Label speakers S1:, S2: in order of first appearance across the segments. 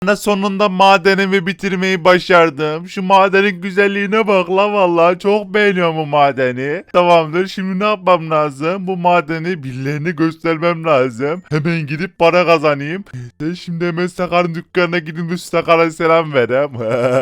S1: Ana sonunda madenimi bitirmeyi başardım. Şu madenin güzelliğine bak la vallahi çok beğeniyorum bu madeni. Tamamdır, şimdi ne yapmam lazım? Bu madeni birilerine göstermem lazım. Hemen gidip para kazanayım. Neyse şimdi hemen Sakar'ın dükkanına gidip bu Sakar'a selam vereyim.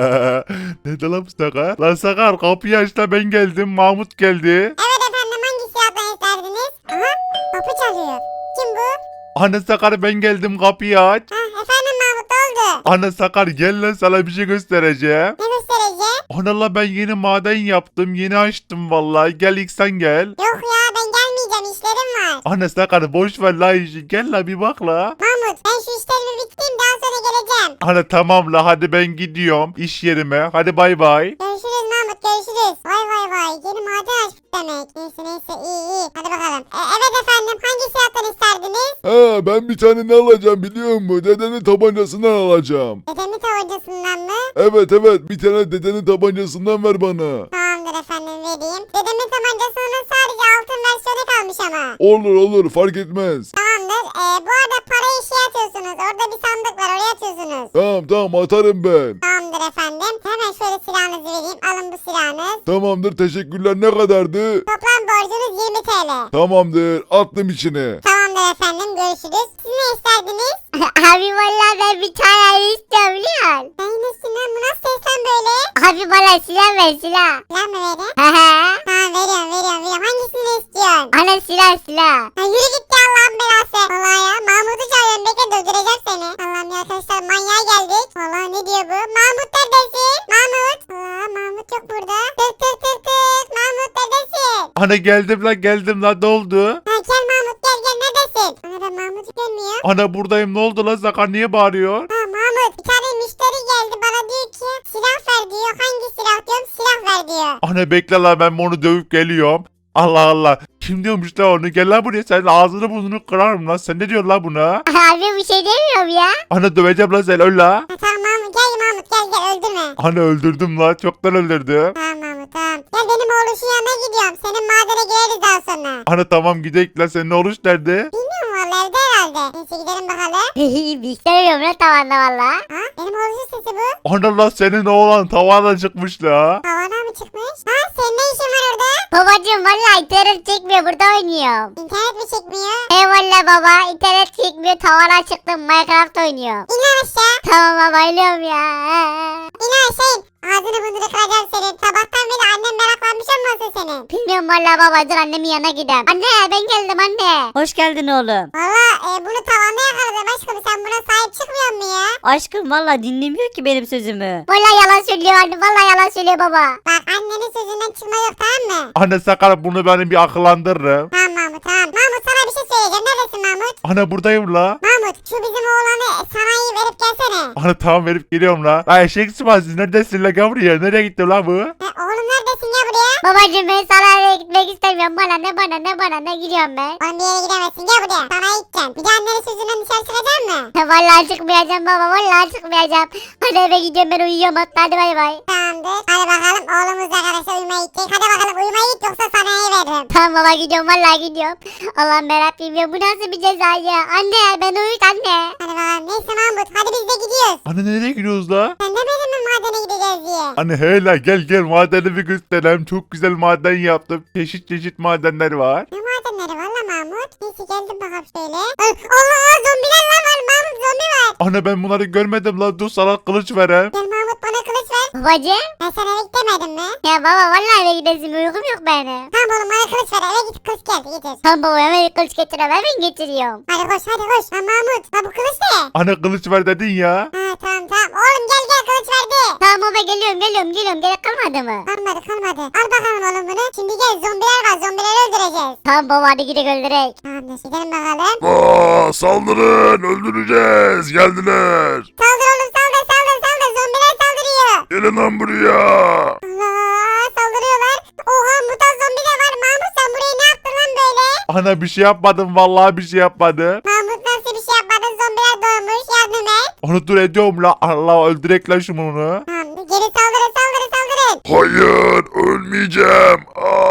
S1: Nerede lan bu Sakar? Lan Sakar kapıyı aç da ben geldim. Mahmut geldi.
S2: Evet efendim, hangi silahdan isterdiniz? Aha, kapı çalıyor. Kim bu?
S1: Ana Sakar ben geldim, kapıyı aç.
S2: Ha, efendim Mahmut, ne oldu?
S1: Ana Sakar gel lan, sana bir şey göstereceğim.
S2: Ne göstereceğim?
S1: Ana la ben yeni maden yaptım. Yeni açtım vallahi. Gel ilk sen gel.
S2: Yok ya, ben gelmeyeceğim, işlerim var.
S1: Ana Sakar boş ver la işi. Gel la bir bak la.
S2: Mahmut, ben şu işlerimi bitireyim, daha sonra geleceğim.
S1: Ana tamam la, hadi ben gidiyorum iş yerime. Hadi bay bay.
S2: Görüşürüz Mahmut, görüşürüz. Vay vay vay, yeni maden açtık demek. Neyse iyi. Hadi bakalım. Evet efendim, hangi silahtan isterdiniz?
S3: Ha, ben bir tane ne alacağım biliyor musun? Dedenin tabancasından alacağım.
S2: Dedemin tabancasından mı?
S3: Evet bir tane dedenin tabancasından ver bana.
S2: Tamamdır efendim, vereyim. Dedemin tabancasının sadece altın versiyonu kalmış ama.
S3: Olur fark etmez.
S2: Tamamdır. Bu arada parayı şey atıyorsunuz. Orada bir sandık var, oraya atıyorsunuz.
S3: Tamam atarım ben.
S2: Tamamdır efendim. Hemen şöyle silahınızı vereyim. Alın bu silahınız.
S3: Tamamdır, teşekkürler. Ne kadardı?
S2: Toplam borcunuz 20 TL.
S3: Tamamdır, attım içine.
S2: Tamamdır efendim, görüşürüz. Siz ne isterdiniz?
S4: Abi vallahi ben bir tane istiyorum biliyor musun?
S2: Sen nesin lan? Bu nasıl seslen böyle?
S4: Abi bana silah ver silah.
S2: Silah mı vereyim?
S4: Hehe.
S2: Tamam, veriyorum. Hangisini istiyorsun?
S4: Ana silah.
S2: Ha, yürü git ya, Allah'ın belası. Vallahi ya, Mahmut'u çağırıyorum. Bekle, öldüreceğim seni. Allah'ım ya, arkadaşlar manyağa geldik. Vallahi ne diyor bu? Mahmut neredesin? Mahmut. Allah, Mahmut yok burada. Tık. Mahmut neredesin?
S1: Ana geldim la ne oldu?
S2: Ha, gel Mahmut, gel neredesin? Ana, ben Mahmut'u görmüyorum.
S1: Ana buradayım, ne oldu la, Sakar niye bağırıyor?
S2: Ha Mahmut, bir tane müşteri geldi, bana diyor ki silah ver diyor. Hangi silah diyorum, silah ver diyor.
S1: Ana bekle la, ben onu dövüp geliyorum. Allah. Kim diyormuş la onu? Gel la buraya, sen ağzını burnunu kırarım la. Sen ne diyorsun la buna?
S4: Abi bir şey demiyorum ya.
S1: Ana döveceğim la, sen öl la.
S2: Ha, tamam Mahmut, gel öldürme.
S1: Ana öldürdüm la, çoktan öldürdüm.
S2: Tamam Mahmut, tamam. Gel benim oğluşun yanına gidiyorum. Senin madene gireriz daha sonra.
S1: Ana tamam gidelim la, senin oruç nerede?
S2: Bilmiyorum valla, evde herhalde. Neyse gidelim bakalım.
S4: bir şey demiyorum lan tavanda valla.
S2: Ha, benim oğluşun sesi bu.
S1: Ana la, senin oğlan tavana çıkmış la.
S2: Havana mı çıkmış? Ha, senin ne işin var orada?
S4: Babacım valla internet çekmiyor burada oynuyorum.
S2: İnternet mi çekmiyor?
S4: Valla baba internet çekmiyor tavana çıktım Minecraft oynuyorum.
S2: İn lan aşağı.
S4: Tamam baba ölüyorum ya.
S2: İn aşağı. Ağzını burnunu kıracağım senin. Sabahtan beri annem meraklanmış olmasın senin.
S4: Bilmiyorum valla baba dur annemin yanına gidelim. Anne ben geldim anne.
S5: Hoş geldin oğlum.
S2: Valla bunu tavanda yakaladım aşkım. Sen buna sahip çıkmıyor mu ya?
S5: Aşkım valla dinlemiyor ki benim sözümü.
S4: Valla yalan söylüyor anne valla yalan söylüyor baba.
S2: Bak, annenin sözünden çıkma yok, tamam mı?
S1: Ana Sakar, bunu benim bir akıllandırırım.
S2: Tamam Mahmut, tamam. Mahmut, sana bir şey söyleyeceğim. Neredesin Mahmut?
S1: Ana buradayım la.
S2: Mahmut, şu bizim oğlanı sanayi verip gelsene.
S1: Ana tamam, verip geliyorum la. La eşek sıvazı, neredesin la, gel buraya. Nereye gitti la bu?
S2: Oğlum neredesin ya buraya?
S4: Babacım ben sana eve gitmek istemiyorum. Bana ne gidiyorum ben.
S2: Oğlum bir yere gidemezsin, gel buraya. Sanayi gideceksin. Bir de annenin sözünden dışarı çıkacak mı?
S4: Vallahi çıkmayacağım baba vallahi çıkmayacağım. Hadi eve gidiyorum ben uyuyorum hatta hadi bay bay.
S2: Tamamdır. Hadi bakalım, oğlumuz arkadaşlar uyumaya gidecek. Hadi bakalım, uyumaya git yoksa sanayiye veririm.
S4: Tamam baba gidiyorum vallahi gidiyorum. Allah'ım yarabbim ya bu nasıl bir ceza ya. Anne ben uyut anne.
S2: Hadi bakalım, neyse Mahmut, hadi biz de gidiyoruz.
S1: Ana nereye gidiyoruz la?
S2: Sen demedin mi madene gideceğiz diye?
S1: Anne hele gel madenimi göstereyim. Çok güzel maden yaptım. Çeşit madenler var.
S2: Ne madenleri valla Mahmut? Neyse geldim bakalım şöyle. Allah, zombiler lan var Mahmut, zombi var.
S1: Ana ben bunları görmedim la. Dur sana kılıç vereyim.
S2: Gel Mahmut, bana kılıç ver.
S4: Babacım.
S2: Ben sana eve gitmedim mi?
S4: Ya baba vallahi eve gidesim uykum yok benim.
S2: Tamam oğlum, bana kılıç ver, eve git, kılıç gel getir.
S4: Tamam baba hemen kılıç getiriyorum hemen getiriyorum.
S2: Hadi koş. Ha Mahmut, ha bu kılıç ne?
S1: Ana kılıç ver dedin ya.
S2: Ha tamam. Oğlum gel kılıç verdi.
S4: Tamam baba geliyorum gerek kalmadı mı?
S2: Kalmadı. Al bakalım oğlum bunu. Şimdi gel, zombiler var, zombileri öldüreceğiz.
S4: Tamam baba hadi gidelim öldürek.
S2: Tamamdır, gidelim bakalım.
S3: Saldırın, öldüreceğiz. Geldiler.
S2: Saldır oğlum, saldır. Zombiler saldırıyor.
S3: Gelin lan buraya.
S2: Allah, saldırıyorlar. Oha, mutant zombi de var. Mahmut, sen buraya ne yaptın lan böyle?
S1: Ana bir şey yapmadım, vallahi bir şey yapmadım.
S2: Mahmut, nasıl bir şey yapmadın? Zombiler doğmuş, yardım et.
S1: Onu dur ediyorum la. Allah öldürek la şunu.
S2: Tamam, geri saldırın.
S3: Hayır, ölmeyeceğim.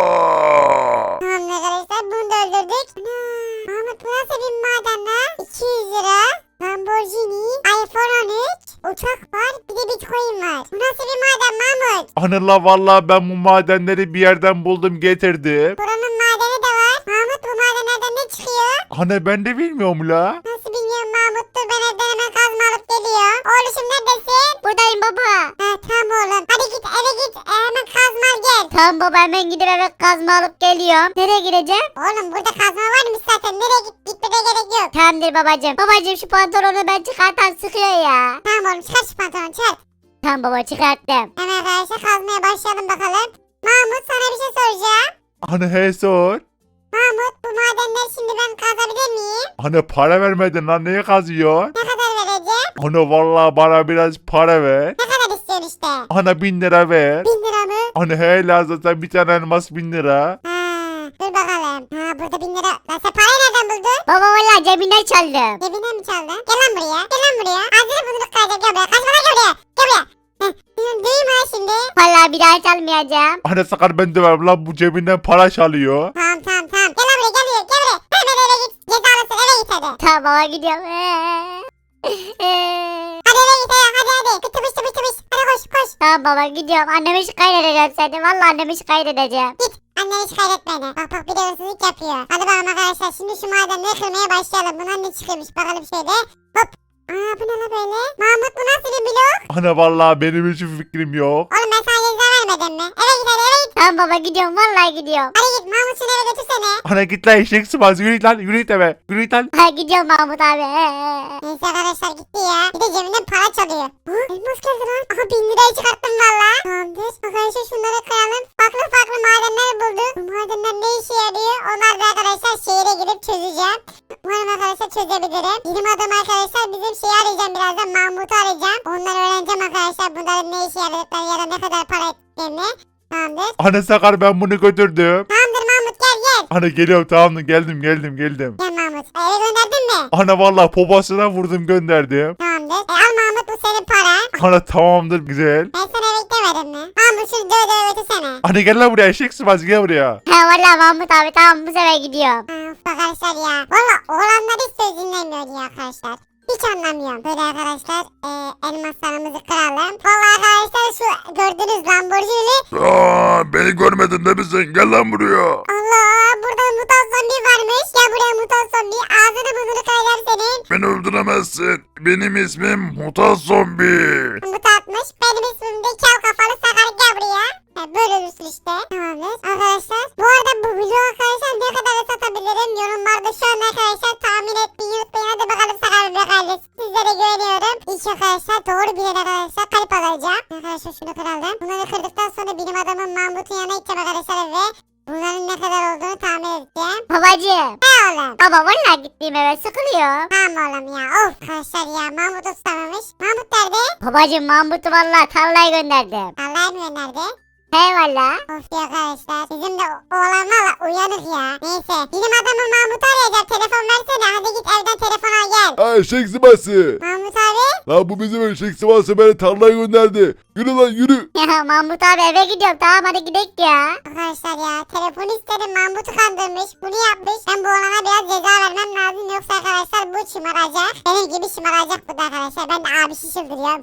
S3: Aa!
S2: Tamam arkadaşlar, bunu da öldürdük. Ana, Mahmut, bu nasıl bir maden lan? 200 lira. Lamborghini, iPhone 13. uçak var, bir de bitcoin var. Bu nasıl bir maden Mahmut?
S1: Ana la vallahi ben bu madenleri bir yerden buldum getirdim.
S2: Buranın madeni de var. Mahmut bu madenlerden ne çıkıyor?
S1: Ana ben de bilmiyorum la.
S2: Nasıl bilmiyorum Mahmut, dur ben evden hemen kazma alıp geliyorum. Oğluşum neredesin?
S4: Buradayım baba.
S2: Ha tamam oğlum. Hadi git eve git, hemen kazma al gel.
S4: Tamam baba hemen gidip eve kazma alıp geliyorum. Nereye gideceğim?
S2: Oğlum burada kazma varmış zaten. Nereye gitmene gerek yok.
S4: Tamamdır babacım. Babacım şu pantolonu ben çıkartan sıkıyor ya.
S2: Tamam oğlum çıkar şu pantolonu çıkar.
S4: Tamam baba çıkarttım.
S2: Hemen arkadaşlar kazmaya başlayalım bakalım. Mahmut sana bir şey soracağım.
S1: Ana he sor.
S2: Mahmut bu madenleri şimdi ben kazabilir miyim?
S1: Ana para vermedin lan neye kazıyor?
S2: Ne kadar vereceğim?
S1: Ana vallahi bana biraz para ver.
S2: Ne kadar istiyorsun işte?
S1: Ana 1000 lira ver.
S2: 1000 lira mı?
S1: Ana he lazım sen bir tane elmas 1000 lira.
S2: Ha, dur bakalım. Ha burada 1000 lira. Lan sen parayı nereden buldun?
S4: Baba valla cebinden çaldım.
S2: Cebinden mi çaldın? Gel lan buraya. Gel lan buraya. Ağzını burnunu kıracağım. Gel buraya. Kaçma lan gel buraya. Gel buraya. Heh. Duyma şimdi.
S4: Valla bir daha çalmayacağım.
S1: Ana sakar ben de ver lan bu cebinden para çalıyor.
S2: Tamam tamam tamam. Gel lan buraya gel buraya. Gel buraya. Hemen eve git. Cezalısın eve git hadi.
S4: Tamam baba gidiyorum.
S2: Hadi eve git hadi hadi. Tıpış tıpış tıpış. Hadi koş koş.
S4: Tamam baba gidiyorum. Annemi şikayet edeceğim seni. Valla annemi şikayet edeceğim.
S2: Git. Anneni şikayet etme beni. Bak bak bir de hırsızlık yapıyor. Hadi bakalım arkadaşlar. Şimdi şu madenleri kırmaya başlayalım. Bundan ne çıkıyormuş bakalım şöyle. Hop. Aa bu ne la böyle? Mahmut bu nasıl bir blok?
S1: Ana vallahi benim hiç fikrim yok.
S2: Oğlum ben sana ceza vermedim mi? Eve git hadi eve git.
S4: Tamam baba gidiyorum. Vallahi gidiyorum.
S2: Hadi git Mahmut şunu eve götürsene.
S1: Ana git lan eşek sıvaz yürü git lan yürü git eve. Yürü git lan.
S4: Ha gidiyorum Mahmut abi.
S2: Neyse arkadaşlar gitti ya. Bir de cebinden para çalıyor. Hı? Elmas geldi lan. Aha 1000 lirayı çıkarttım valla. Tamamdır. Arkadaşlar şunları kıralım. Farklı farklı madenler bulduk. Bu madenler ne işe yarıyor? Onlar da arkadaşlar şehire gidip çözeceğim. Umarım arkadaşlar çözebilirim. Bilim adamı arkadaşlar bizim şeyi arayacağım birazdan. Mahmut'u arayacağım. Onları öğreneceğim arkadaşlar. Bunların ne işe yaradıklarını ya da ne kadar para ettiklerini. Tamamdır.
S1: Ana sakar ben bunu götürdüm.
S2: Tamamdır Mahmut gel gel.
S1: Ana geliyorum tamam mı geldim.
S2: Gel Mahmut. Eve gönderdin mi?
S1: Ana vallahi poposuna vurdum gönderdim.
S2: Tamamdır. Al Mahmut bu senin para.
S1: Ana tamamdır güzel.
S2: Ben sana eve demedim mi? Mahmut şunu döve döve götürsene.
S1: Ana gel lan buraya eşek sıvaz gel buraya.
S4: Ha valla Mahmut abi tamam bu sefer gidiyorum.
S2: Of arkadaşlar ya. Valla oğlanlar hiç söz dinlemiyor ya arkadaşlar. Hiç anlamıyorum. Böyle arkadaşlar elmaslarımızı kıralım. Valla arkadaşlar şu gördüğünüz Lamborghini.
S3: Aa, beni görmedin değil mi sen? Gel lan buraya.
S2: Allah burada mutant zombi varmış. Gel buraya mutant zombi. Ağzını burnunu kıracağım senin.
S3: Beni öldüremezsin. Benim ismim Mutant Zombi.
S2: Mutantmış. Benim ismim de kel kafalı sakar gel buraya. Böyle ölürsün işte. Tamamdır. Arkadaşlar bu arada bu video arkadaşlar ne kadar satabilirim yorumlarda şu an arkadaşlar tahmin etmeyi unutmayın. Hadi bakalım sakar bebek ailesi. Sizlere güveniyorum. İlk arkadaşlar doğru bilen arkadaşlar kalp alacağım. Arkadaşlar şunu kıralım. Bunları kırdıktan sonra bilim adamın Mahmut'un yanına gideceğim arkadaşlar ve bunların ne kadar olduğunu tahmin edeceğim.
S4: Babacım.
S2: Ne oğlum?
S4: Baba valla gittiğim eve sıkılıyor.
S2: Tamam oğlum ya. Of arkadaşlar ya Mahmut tutamamış. Mahmut nerede?
S4: Babacım Mahmut'u valla tarlaya gönderdim.
S2: Allah'a mı nerede?
S4: He valla.
S2: Of ya arkadaşlar. Bizim de oğlan valla uyanık ya. Neyse. Bilim adamı Mahmut'u arayacağım. Telefon versene. Hadi git evden telefon al gel.
S3: Aa, eşek sıvası.
S2: Mahmut abi.
S3: Lan bu bizim eşek sıvası beni tarlaya gönderdi. Yürü lan yürü.
S4: Ya Mahmut abi eve gidiyorum tamam hadi gidelim ya.
S2: Arkadaşlar ya telefon istedim. Mahmut'u kandırmış. Bunu yapmış. Ben bu oğlana biraz ceza vermem lazım. Yoksa arkadaşlar bu şımaracak. Benim gibi şımaracak bu da arkadaşlar. Ben de abi şişildiriyorum.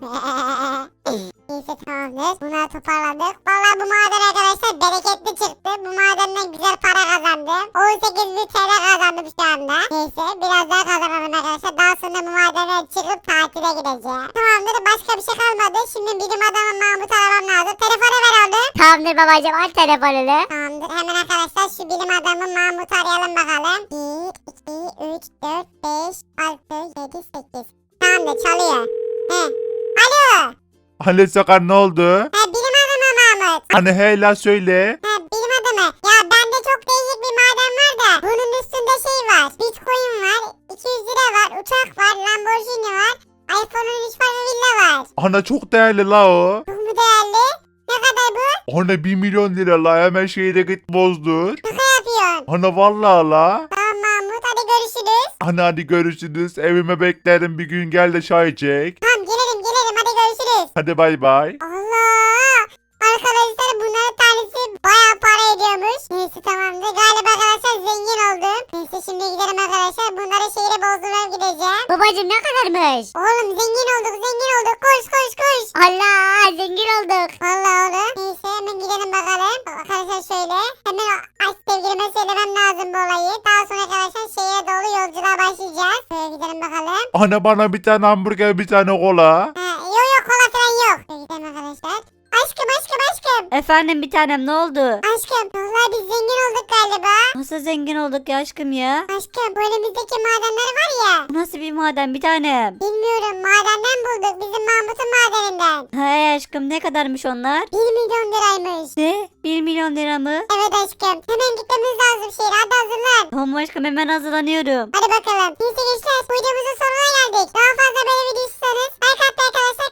S2: Neyse tamamdır. Bunları toparladık. Valla bu maden arkadaşlar bereketli çıktı. Bu madenden güzel para kazandım. 18.000 TL kazandım şu anda. Neyse biraz daha kazanalım arkadaşlar. Daha sonra bu madene çıkıp tatile gideceğim. Tamamdır başka bir şey kalmadı. Şimdi bilim adamı Mahmut'u aramam lazım. Telefonu ver oğlum.
S4: Tamamdır babacım al telefonunu.
S2: Tamamdır hemen arkadaşlar şu bilim adamı Mahmut'u arayalım bakalım. 1, 2, 3, 4, 5, 6, 7, 8. Tamamdır çalıyor. He. Alo.
S1: Ana sakar ne oldu?
S2: He bilim adamı Mahmut.
S1: Ana he la söyle.
S2: Ha bilim adamı. Ya bende çok değişik bir maden var da. Bunun üstünde şey var. Bitcoin var. 200 lira var. Uçak var. Lamborghini var. iPhone 13 var ve villa var.
S1: Ana çok değerli la o.
S2: Çok mu değerli? Ne kadar bu?
S1: Ana 1 milyon lira la hemen şehire git bozdur.
S2: Şaka yapıyorsun.
S1: Ana vallahi la.
S2: Tamam Mahmut hadi görüşürüz.
S1: Ana hadi görüşürüz. Evime beklerim bir gün gel de çay çek.
S2: Tamam gelirim hadi görüşürüz.
S1: Hadi bay bay.
S2: Allah. arkadaşlar bunların tanesi bayağı para ediyormuş. Neyse tamamdır. Galiba arkadaşlar zengin oldum. Neyse şimdi gidelim arkadaşlar. Bunları şehre bozdurmaya gideceğim.
S4: Babacım ne kadarmış?
S2: Oğlum zengin olduk zengin olduk. Koş koş koş.
S4: Allah zengin olduk.
S2: Vallahi oğlum. Neyse hemen gidelim bakalım. Arkadaşlar şöyle. Hemen sevgilime söylemem lazım bu olayı. Daha sonra arkadaşlar şehre doğru yolculuğa başlayacağız. Şöyle gidelim bakalım.
S1: Ana bana bir tane hamburger bir tane kola.
S2: Ha, yok yok kola falan yok. Şöyle gidelim arkadaşlar. Aşkım aşkım aşkım.
S5: Efendim bir tanem ne oldu?
S2: Aşkım. Vallahi biz zengin olduk galiba.
S5: Nasıl zengin olduk ya aşkım ya?
S2: Aşkım bu önümüzdeki madenler var ya.
S5: Bu nasıl bir maden bir tanem?
S2: Bilmiyorum madenden bulduk. Bizim Mahmut'un madeninden.
S5: He aşkım ne kadarmış onlar?
S2: 1 milyon liraymış.
S5: Ne? 1 milyon lira mı?
S2: Evet aşkım. Hemen gitmemiz lazım şehre. Hadi hazırlan.
S5: Tamam aşkım hemen hazırlanıyorum.
S2: Hadi bakalım. Neyse gençler bu videomuzun sonuna geldik. Daha fazla böyle video istiyorsanız like atmayı arkadaşlar